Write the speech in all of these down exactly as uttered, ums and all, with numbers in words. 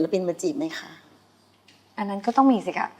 ปินมาจีบไหมคะอันนั้นก็ต้องมีสิคะ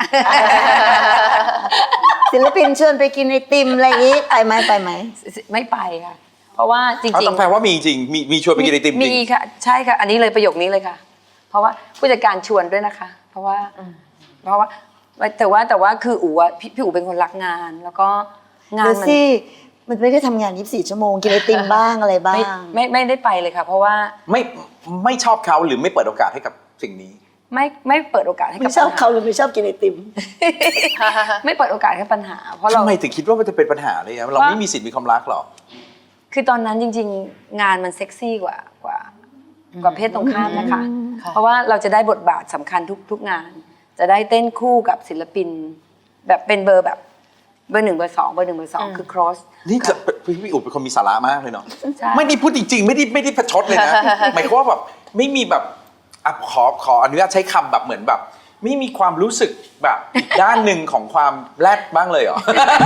ศิลปินชวนไปกินไอติมอะไรอย่างนี้ไปไหมไปไหมไม่ไปค่ะเพราะว่าจริงๆต้องแปลว่ามีจริงมีมีชวนไปกินไอติมจริงมีค่ะใช่ค่ะอันนี้เลยประโยคนี้เลยค่ะเพราะว่าผู้จัดการชวนด้วยนะคะเพราะว่าเพราะว่าแต่ว่าแต่ว่าคืออู๋อะพี่พี่อู๋เป็นคนรักงานแล้วก็งานมันมันไม่ได้ทำงานยี่สิบสี่ชั่วโมงกินไอติมบ้างอะไรบ้างไม่ไม่ได้ไปเลยค่ะเพราะว่าไม่ไม่ชอบเขาหรือไม่เปิดโอกาสให้กับสิ่งนี้ไม่ไม่เปิดโอกาสให้กับไม่ชอบเขาหรือไม่ชอบกินไอติมไม่เปิดโอกาสให้ปัญหาเพราะเราทำไมถึงคิดว่ามันจะเป็นปัญหาเลยอะเราไม่มีสิทธิ์มีความรักหรอคือตอนนั้นจริงๆงานมันเซ็กซี่กว่ากว่ากว่าเพศตรงข้ามนะคะเพราะว่าเราจะได้บทบาทสำคัญทุกทุกงานจะได้เต้นคู่กับศิลปินแบบเป็นเบอร์แบบเบอร์หนึ่งเบอร์สองเบอร์หนึ่งเบอร์สองคือ cross นี่จะพี่อุ๋เป็นคนมีสาระมากเลยเนาะไม่ได้พูดจริงๆไม่ได้ไม่ได้ประชดเลยนะหมายความว่าแบบไม่มีแบบอ่ะขอขออนุญาตใช้คำแบบเหมือนแบบไม่มีความรู้สึกแบบอีกด้านหนึ่งของความแรดบ้างเลยเหรอ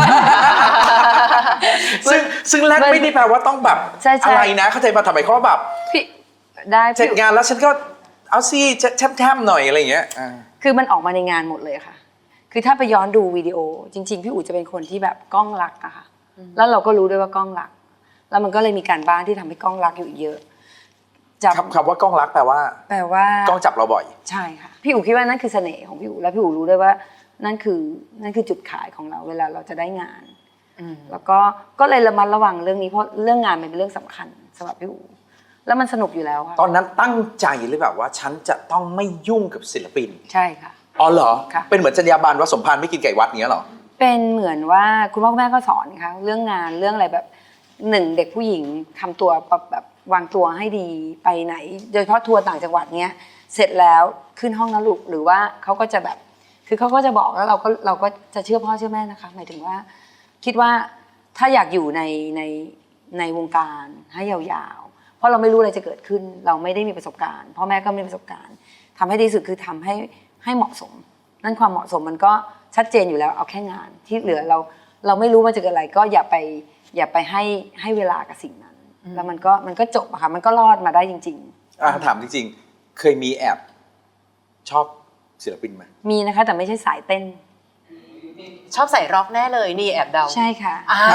ซึ่งซึ่งแรดไม่ได้แปลว่าต้องแบบอะไรนะเข้าใจป่ะทำไมเขาแบบพี่ได้เสร็จงานแล้วฉันก็เอาซิแทมๆหน่อยอะไรอย่างเงี้ยคือมันออกมาในงานหมดเลยค่ะคือถ้าไปย้อนดูวิดีโอจริงๆพี่อู๋จะเป็นคนที่แบบกล้องรักอะค่ะแล้วเราก็รู้ด้วยว่ากล้องรักแล้วมันก็เลยมีการบ้านที่ทำให้กล้องรักอยู่เยอะจับคำว่ากล้องรักแปลว่าแปลว่ากล้องจับเราบ่อยใช่ค่ะพี่อู๋คิดว่านั่นคือเสน่ห์ของพี่อู๋และพี่อู๋รู้ด้วยว่านั่นคือนั่นคือจุดขายของเราเวลาเราจะได้งานแล้วก็ก็เลยระมัดระวังเรื่องนี้เพราะเรื่องงานมันเป็นเรื่องสำคัญสำหรับพี่อู๋แล้วมันสนุกอยู่แล้วค่ะตอนนั้นตั้งใจหรือแบบว่าฉันจะต้องไม่ยุ่งกับศิลปินใช่ค่ะอ๋อเหรอเป็นเหมือนจรรยาบรรณว่าสมภารไม่กินไก่วัดเนี้ยเหรอเป็นเหมือนว่าคุณพ่อคุณแม่ก็สอนค่ะเรื่องงานเรื่องอะไรแบบหนึ่งเด็กผู้หญิงทำตัวแบบวางตัวให้ดีไปไหนโดยเฉพาะทัวร์ต่างจังหวัดเนี้ยเสร็จแล้วขึ้นห้องนะลูกหรือว่าเขาก็จะแบบคือเขาก็จะบอกแล้วเราก็เราก็จะเชื่อพ่อเชื่อแม่นะคะหมายถึงว่าคิดว่าถ้าอยากอยู่ในในในวงการให้ยาวๆเพราะเราไม่รู้อะไรจะเกิดขึ้นเราไม่ได้มีประสบการณ์พ่อแม่ก็ไม่มีประสบการณ์ทำให้ดีสุดคือทำให้ให้เหมาะสมนั่นความเหมาะสมมันก็ชัดเจนอยู่แล้วเอาแค่งานที่เหลือเราเราไม่รู้มันจะเกิดอะไรก็อย่าไปอย่าไปให้ให้เวลากับสิ่งนั้นแล้วมันก็มันก็จบอะค่ะมันก็รอดมาได้จริงๆอ่ะถามจริงๆเคยมีแอบชอบศิลปินไหมมีนะคะแต่ไม่ใช่สายเต้นชอบใส่ร็อกแน่เลยนี่แอบเดาใช่ค่ะ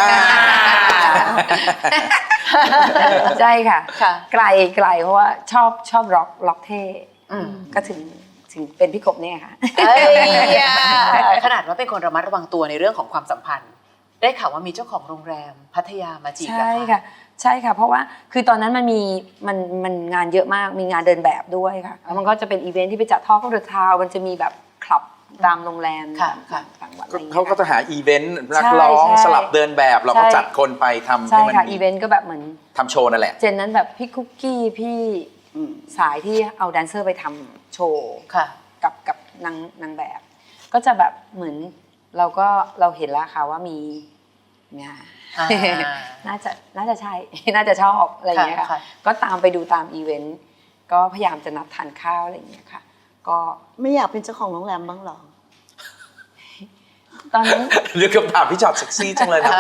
ใช่ค่ะไกลไกลเพราะว่าชอบชอบร็อกร็อกเท่ก็ถึงถึงเป็นพี่กบเนี่ยค่ะขนาดว่าเป็นคนระมัดระวังตัวในเรื่องของความสัมพันธ์ได้ข่าวว่ามีเจ้าของโรงแรมพัทยามาจีบใช่ค่ะใช่ค่ะเพราะว่าคือตอนนั้นมันมีมันมันงานเยอะมากมีงานเดินแบบด้วยค่ะแล้วมันก็จะเป็นอีเวนท์ที่ไปจัดทอล์กเดอะทาวน์มันจะมีแบบคลับตามโรงแรมต่างจังหวัดเขาก็จะหาอีเวนต์นักร้องสลับเดินแบบเราก็จัดคนไปทำให้มันใช่ค่ะอีเวนต์ก็แบบเหมือนทำโชว์นั่นแหละเจนนั้นแบบพี่คุกกี้พี่สายที่เอาแดนเซอร์ไปทำโชว์กับกับนางนางแบบก็จะแบบเหมือนเราก็เราเห็นแล้วค่ะว่ามีงานน่าจะน่าจะใช่น่าจะชอบอะไรอย่างเงี้ยค่ะก็ตามไปดูตามอีเวนต์ก็พยายามจะนัดทานข้าวอะไรอย่างเงี้ยค่ะก็ไม่อยากเป็นเจ้าของโรงแรมบ้างหรอตอนนั้นเรื่องคำถามพี่จอดเซ็กซี่จังเลยนะ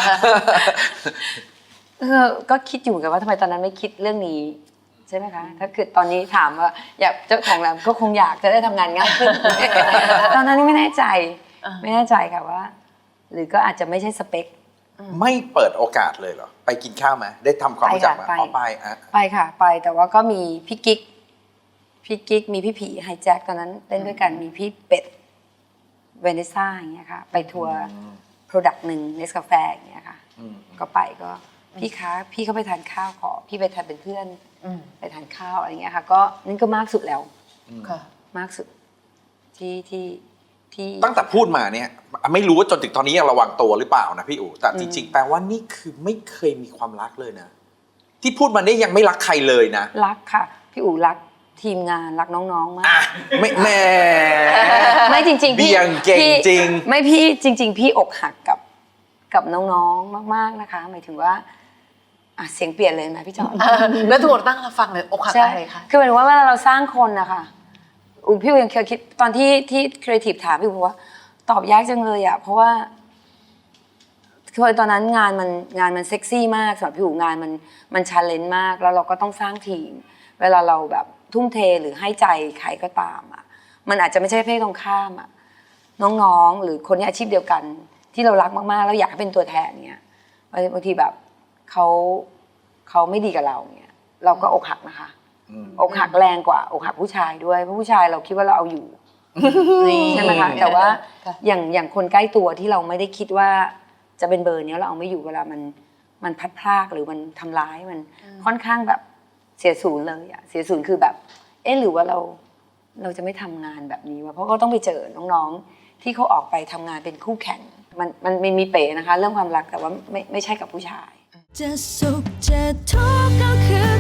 เออก็คิดอยู่กันว่าทำไมตอนนั้นไม่คิดเรื่องนี้ใช่ไหมคะถ้าเกิดตอนนี้ถามว่าอยากเจ้าของโรงแรมก็คงอยากจะได้ทำงานง่ายขึ้นตอนนั้นไม่แน่ใจไม่แน่ใจค่ะว่าหรือก็อาจจะไม่ใช่สเปคไม่เปิดโอกาสเลยเหรอไปกินข้าวไหมได้ทำความรู้จักไหมอ๋อไปอ่ะไปค่ะไปแต่ว่าก็มีพี่กิ๊กพี่กิ๊กมีพี่ผีไฮแจ็คตอนนั้นเต้นด้วยกันมีพี่เป็ดเวเนซ่าอย่างเงี้ยค่ะไปทัวร์โปรดักต์หนึ่งเนสกาแฟอย่างเงี้ยค่ะก็ไปก็พี่คะพี่เขาไปทานข้าวขอพี่ไปทานเป็นเพื่อนไปทานข้าวอะไรเงี้ยค่ะก็นั่นก็มากสุดแล้วมากสุดที่ที่ที่ตั้งแต่พูดมาเนี่ยไม่รู้ว่าจนถึงตอนนี้ยังระวังตัวหรือเปล่านะพี่อู๋แต่จริงๆแปลว่านี่คือไม่เคยมีความรักเลยนะที่พูดมาเนี่ยยังไม่รักใครเลยนะรักค่ะพี่อู๋รักทีมงานรักน้องๆมากไม่แม่ไม่จริงๆพี่ยังเก่งจริงไม่พี่จริงๆพี่อกหักกับกับน้องๆมากๆนะคะหมายถึงว่าอ่ะเสียงเปลี่ยนเลยนะพี่จอมแล้วทุกคนตั้งรับฟังเลยอกหักอะไรคะคือหมายถึงว่าเวลาเราสร้างคนนะคะอู๋พี่ยังเคยคิดตอนที่ที่ครีเอทีฟถามพี่อู๋ว่าตอบยากจังเลยอ่ะเพราะว่าคือตอนนั้นงานมันงานมันเซ็กซี่มากสำหรับพี่อู๋งานมันมันชาเลนจ์มากแล้วเราก็ต้องสร้างทีมเวลาเราแบบทุ่มเทหรือให้ใจใครก็ตามอ่ะมันอาจจะไม่ใช่เพศตรงข้ามอ่ะน้องๆหรือคนที่อาชีพเดียวกันที่เรารักมากๆแล้วอยากให้เป็นตัวแทนเนี่ยบางทีแบบเขาเขาไม่ดีกับเราเนี่ยเราก็อกหักนะคะอกหักแรงกว่าอกหักผู้ชายด้วยเพราะผู้ชายเราคิดว่าเราเอาอยู่ใช่ไหมคะแต่ว่าอย่างอย่างคนใกล้ตัวที่เราไม่ได้คิดว่าจะเป็นเบอร์นี้เราเอาไม่อยู่เวลามันมันพัดพลากหรือมันทำร้ายมันค่อนข้างแบบเสียศูนย์เลยอะเสียศูนย์คือแบบเอ๊ะหรือว่าเราเราจะไม่ทำงานแบบนี้วะเพราะก็ต้องไปเจอน้องๆที่เขาออกไปทำงานเป็นคู่แข่งมันมันมีเป๋นะคะเรื่องความรักแต่ว่าไม่ไม่ใช่กับผู้ชายจะสุขจะทุกข์ก็คือ